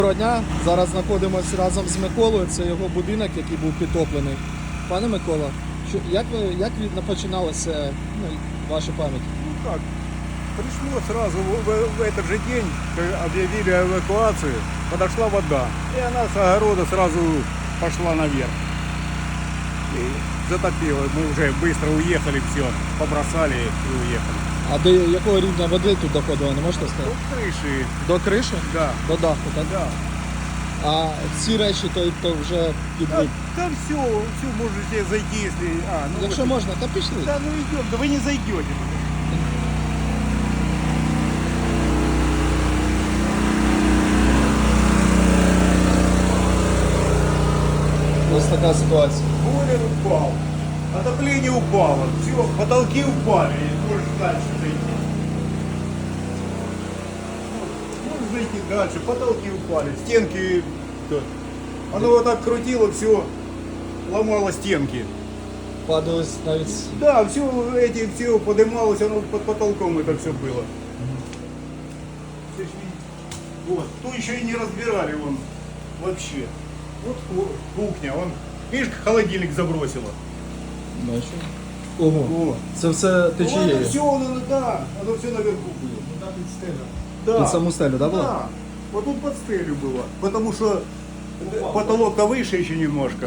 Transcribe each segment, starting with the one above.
Доброго дня. Зараз знаходимося разом з Миколою. Це його будинок, який був підтоплений. Пане Микола, як починалася ваша пам'ять? Ну как, пришло сразу в этот же день, когда объявили эвакуацию, подошла вода. И она с огорода сразу пошла наверх. И затопила. Мы уже быстро уехали, все, побросали и уехали. А до якого рівня води тут доходило, не можете До сказати? крыши, До криші? да. До даху, так? Да. А ці речі то вже під Да, да все можете зайти, если... Якщо можна, то пішли. Да, ну идем, да вы не зайдете. Ось така ситуація. Бойлер упал, отопление упало, все, потолки упали, можешь дальше зайти. Можешь зайти дальше, потолки упали, стенки, оно вот так крутило, все, ломало стенки. Падалось навіть. Да, все поднималось, оно под потолком это все было. Вот, то еще и не разбирали вон вообще. Вот кухня, вон, видишь, холодильник забросило. Бачу. Ого. О. Це все Ну, течіє. это все, оно все наверху было. Куда під стеля? Да. Під саму стелю, да, було? Да. Вот тут под стелью было. Потому что потолок-то выше еще немножко.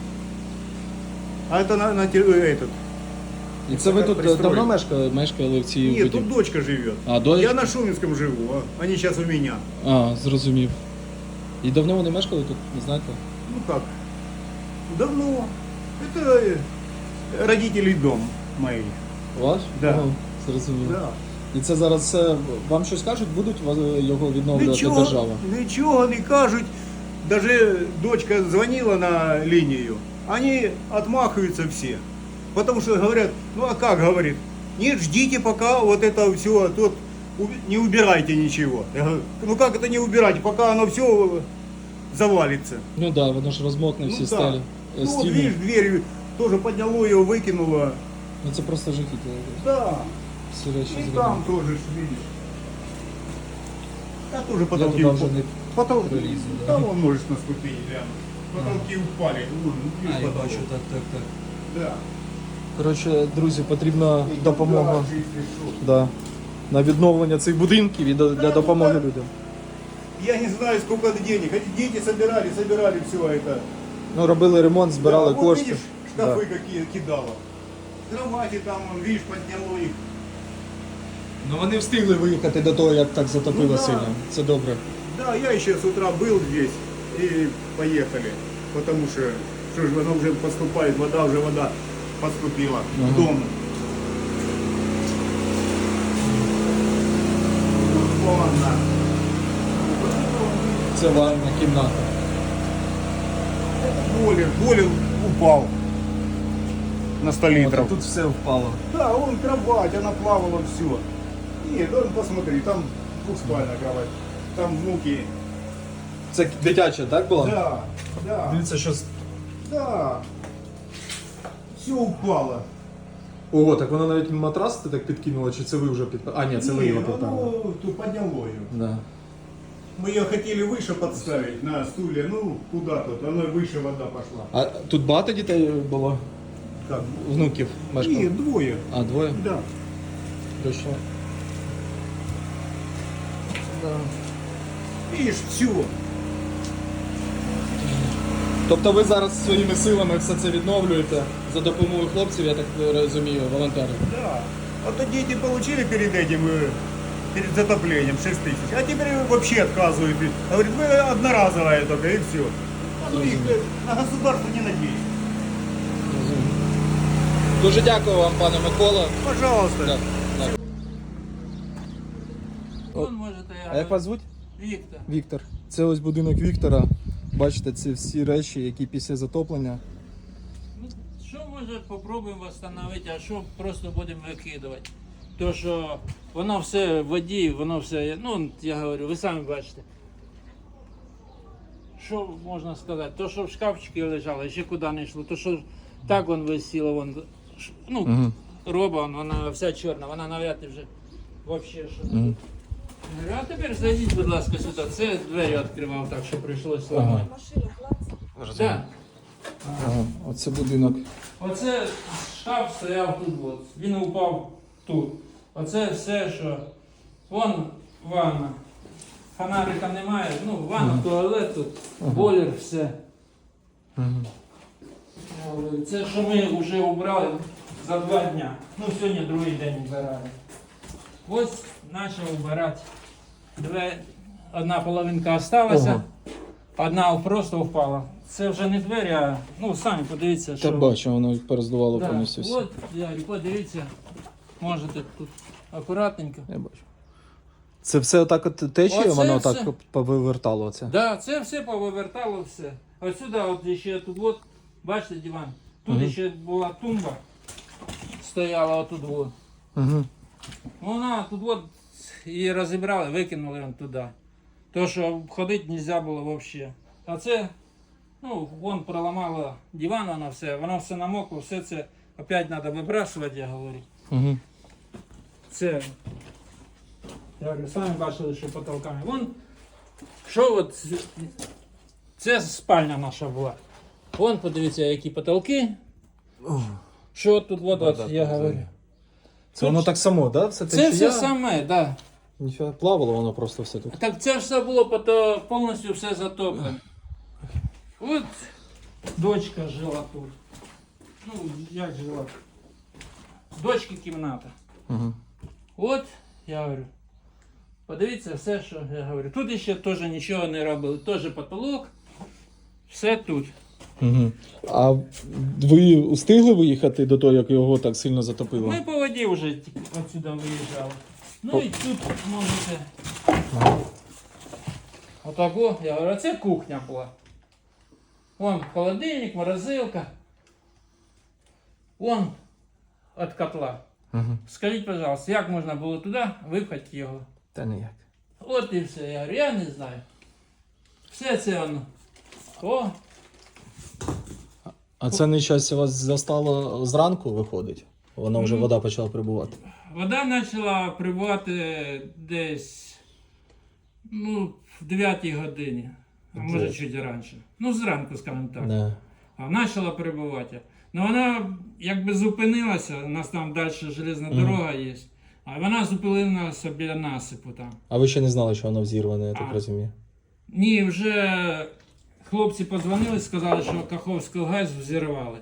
А это этот. І це ви тут Пристрої. давно мешкали в цій Нет, будівлі? тут дочка живет. А, дочка? Я на Шуменском живу, а они сейчас у меня. А, зрозумів. І давно вони мешкали тут, не знаєте? Ну как? Давно. Это родителей дом моих. Ваш? Да. Ага, зрозумів. Да. І це зараз все, вам щось кажуть, будуть його відновлювати держава? Ничего не кажут. Даже дочка звонила на линию. Они отмахиваются все. Потому что говорят, ну а как говорит? Нет, ждите пока вот это все, тут не убирайте ничего. Я говорю, ну как это не убирать, пока оно все завалится. Ну так, да, воно ж розмокне всі да. стелі. Ну вот Стіни. видишь, дверь тоже подняло ее, выкинуло. Ну це просто жахіття. Да. Всі речі И зробили. там тоже, ж, видишь. Да тоже Я потолки туди вже упали. не Потолки. пролізу. Да, вон можешь на ступени глянуть. Потолки упали. Вон, видишь, потолок. так. Да. Коротше, друзі, потрібна допомога. Да, если что. Да. На відновлення цих будинків і для допомоги людям. Я не знаю, сколько это денег. Эти дети собирали все это. Ну, робили ремонт, збирали Да, кошти. Вот видишь, шкафы какие кидало. Кровати там, видишь, подняло их. Ну вони встигли виїхати до того, як так затопило Ну, да. сильно. Це добре. Да, я еще с утра был здесь и поехали. Потому что ж, оно уже поступает, вода поступила в дом. Ванна. Це ванна кімната. Бойлер упал на 100 От, литров. а тут все впало. Да, вон кровать, она плавала все. Нет, вон посмотри, там двухспальная кровать. Там внуки. Це дитяча, так було? Да. Дивіться, що... Да. Все упало. Ого, так вона навіть матрас ти так підкинула, чи це ви вже підпали? А, ні, це ви його підпали. оно тут подняло ее. Да. Мы ее хотели выше подставить на стуле, ну куда тут, оно выше вода пошла. А тут багато дітей було? Как? Внуків мешкало? Нет, двое. А, двоє? Да. Точно. Видишь, все. Тобто ви зараз своїми силами все це відновлюєте за допомогою хлопців, я так розумію, волонтерів. Да. А то дети получили перед этим, перед затоплением 6 тысяч, а теперь вообще отказывают. Говорит, вы одноразовая только и все. Ну, их на государство не надеюсь. Дуже дякую вам, пане Микола. Пожалуйста. Так, так. Он может А як вас звуть? Віктор. Віктор. Це ось будинок Віктора. Бачите, це всі речі, які після затоплення. Ну, що може попробуємо встановити, а що просто будемо викидувати? То що воно все в воді, воно все, ну я говорю, ви самі бачите. Що можна сказати? То, що в шкафчики лежало, ще куди не йшло, то що так вон висіло, вон, ну, роба, вона вся чорна, вона навряд ли вже взагалі що. А тепер зайдіть, будь ласка, сюди. Це двері відкривав, так що прийшлося ламати. Так. Ага, оце будинок. Оце шкаф стояв тут, от. Він упав тут. Оце все, що. Вон ванна. Фонарика немає. Ну, ванна, туалет тут, бойлер, все. Це що ми вже убрали за 2 дня. Ну, сьогодні другий день вбирали. Ось почав вбирати. Одна половинка залишилася, одна просто впала. Це вже не двері, а ну самі подивіться, що. Та бачу, воно перездувало Да. повністю все. От, Ярі, подивіться, можете тут акуратненько. Я бачу. Це все отак от течіє, Оце воно все. так повивертало це. Да, це все повивертало все. Отсюди, от ще тут, от, бачите, диван. Тут ще була тумба, стояла отут. От. Угу. Вона тут от її розібрали, викинули вон туди. То, що ходити не можна було взагалі. А це, ну, вон проламало диван, воно все намокло, все це опять треба вибрасувати, я говорю. Угу. Це, я говорю, самі бачили, що потолками. Вон, що от, це спальня наша була. Вон, подивіться, які потолки. Що тут, от, я говорю. Це воно так само, да? Все Це течія? все саме, так. Да. Ніфіга, плавало воно просто все тут. Так це все було повністю все затоплено. От дочка жила тут. Ну, як жила? Дочки кімната. Угу. От, я говорю, подивіться все, що я говорю. Тут ще теж нічого не робили. Теж потолок. Все тут. Угу. А ви встигли виїхати до того, як його так сильно затопило? Ми по воді вже отсюди виїжджали. Ну і тут можете. Отако, я говорю, це кухня була. Вон холодильник, морозилка. Вон від котла. Угу. Скажіть, пожалуйста, як можна було туди випхати його? Та ніяк. От і все. Я говорю, я не знаю. Все це воно. О, А це нещастя вас застало зранку, виходить? Воно вже вода почала прибувати. вода почала прибувати десь ну, в 9 годині. А може Десь. чуть раніше. Ну, зранку, скажімо так. Да. А почала прибувати. Ну вона якби зупинилася, у нас там далі железна дорога є. А вона зупинилася біля насипу там. А ви ще не знали, що воно взірване, я так А. розумію? Ні, вже хлопці подзвонили, сказали, що Каховську ГЕС взірвали.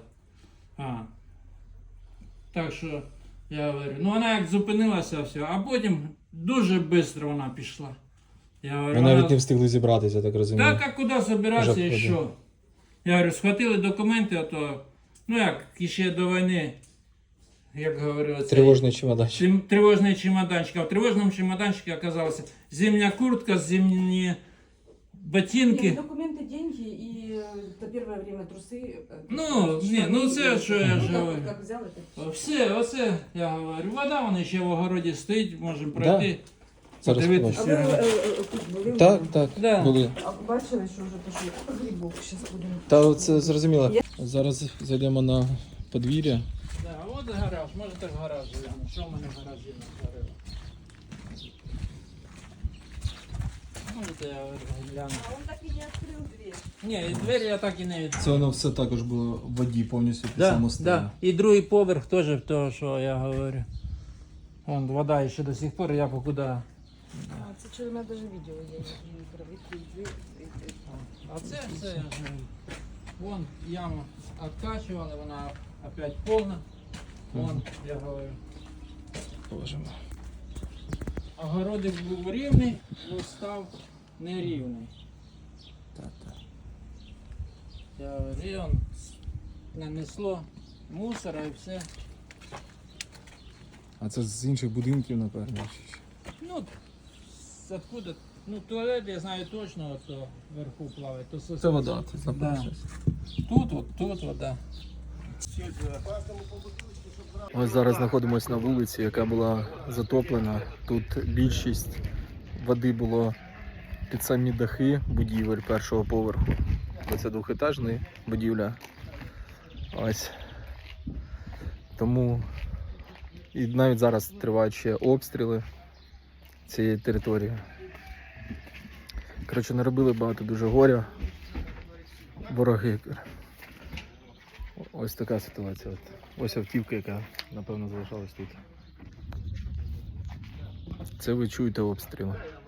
Так що, я говорю, ну вона як зупинилася, все, а потім дуже швидко вона пішла. Я говорю, Ви навіть не встигли зібратися, я так розумію. так, а куди збиратися Вже і що? Я говорю, схватили документи, а то, ну як, ще до війни, як говорили, Тривожний чемоданчик. тривожний чемоданчик. А в тривожному чемоданчику оказалася зимня куртка, зимні ботинки. Нет, документы, деньги и на первое время трусы. Ну, ні, ну це що я ж говорю. Как взял, это Все, оце, я говорю, вода, вона ще в огороді стоїть, можемо пройти, Зараз подивитися. А ви тут були? Так, так, Да. були. А бачили, що вже пішли грибок, зараз будемо. Та це зрозуміло. Зараз зайдемо на подвір'я. Да, от гараж, можете в гараж глянути. Що в мене в гаражі натворили? Можете я гляну. А он так и не открыл дверь. Ні, двері я так і не відкрив. Це воно все також було в воді повністю під Да, самостійно. да. І другий поверх теж того, що я говорю. Вон вода ще до сих пор, я покуди. А, це що, у мене даже відео є, як він відкрив двері. А це все, я ж говорю. Вон яму откачували, вона опять повна. Вон, я говорю. Боже мой. Огородик був рівний, але став нерівний. Я говорю, і он нанесло мусора і все. А це з інших будинків, напевно. чи що? Ну, откуда? Ну, туалет, я знаю точно, то вверху плаває. То Це вода, тут Да. напевно. Тут вода. Ось зараз знаходимося на вулиці, яка була затоплена. Тут більшість води було під самі дахи будівель першого поверху. Бо це двохетажна будівля. Ось. Тому і навіть зараз тривають ще обстріли цієї території. Коротше, наробили багато дуже горя. Вороги. Ось така ситуація. Ось автівка, яка, напевно, залишалась тут. Це ви чуєте обстріли.